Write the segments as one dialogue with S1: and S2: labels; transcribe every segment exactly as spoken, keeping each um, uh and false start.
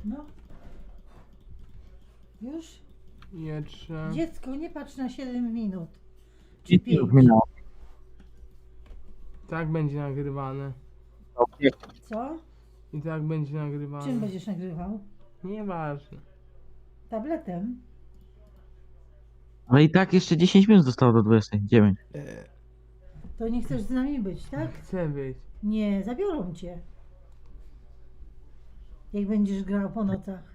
S1: No. Już?
S2: Jeszcze.
S1: Dziecko, nie patrz na siedem minut. Czy
S3: I
S1: pięć.
S3: minut minęło.
S2: Tak będzie nagrywane.
S1: Co?
S2: I tak będzie nagrywane.
S1: Czym będziesz nagrywał?
S2: Nieważne.
S1: Tabletem?
S3: Ale i tak jeszcze dziesięć minut zostało do dwudziestej dziewiątej.
S1: To nie chcesz z nami być, tak?
S2: Chcę być.
S1: Nie, zabiorą cię. Jak będziesz grał po nocach.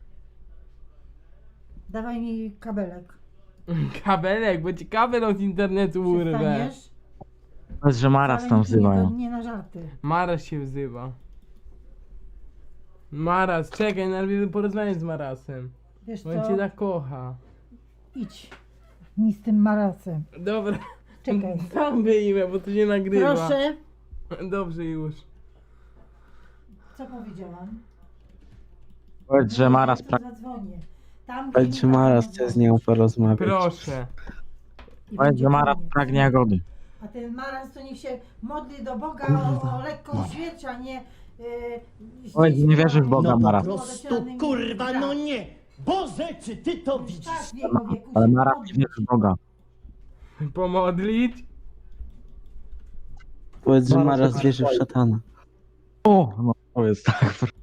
S1: Dawaj mi kabelek.
S2: Kabelek, bo ci kabel od internetu urwę.
S1: Przestaniesz?
S3: Powiedz, że Maras
S1: Wcale
S3: tam
S1: nikt nie,
S3: wzywają.
S1: nie na żarty.
S2: Maras się wzywa. Maras, czekaj, najpierw porozmawiam z Marasem.
S1: Wiesz
S2: Bo on
S1: co?
S2: cię tak kocha.
S1: Idź mi z tym marasem.
S2: Dobra.
S1: Czekaj.
S2: Sam wyjmę, bo to się nagrywa.
S1: Proszę.
S2: Dobrze już.
S1: Co powiedziałam?
S3: Powiedz, że Maras
S1: Ja tu
S3: pragnie.
S1: zadzwonię. Tam,
S4: Powiedz,
S1: gdzie
S4: że
S1: nie
S4: Maras
S1: ma
S4: chce z nią porozmawiać.
S2: Proszę.
S1: I
S3: Powiedz,
S1: będzie
S3: że Maras
S1: koniec.
S3: pragnie jagody.
S1: A ten maraz to niech się modli do Boga o, o lekką śmierć, a nie... Yy,
S3: Powiedz, że nie wierzysz w Boga,
S5: No po
S3: Maras.
S5: prostu, kurwa, no nie! Boże, czy ty to widzisz?
S1: Tak, w jego wieku
S3: Ale
S1: się
S3: Maras
S1: modli.
S3: nie wierzy w Boga.
S2: Pomodlić?
S4: Powiedz, że Maras wierzy w szatana.
S3: O, no powiedz tak.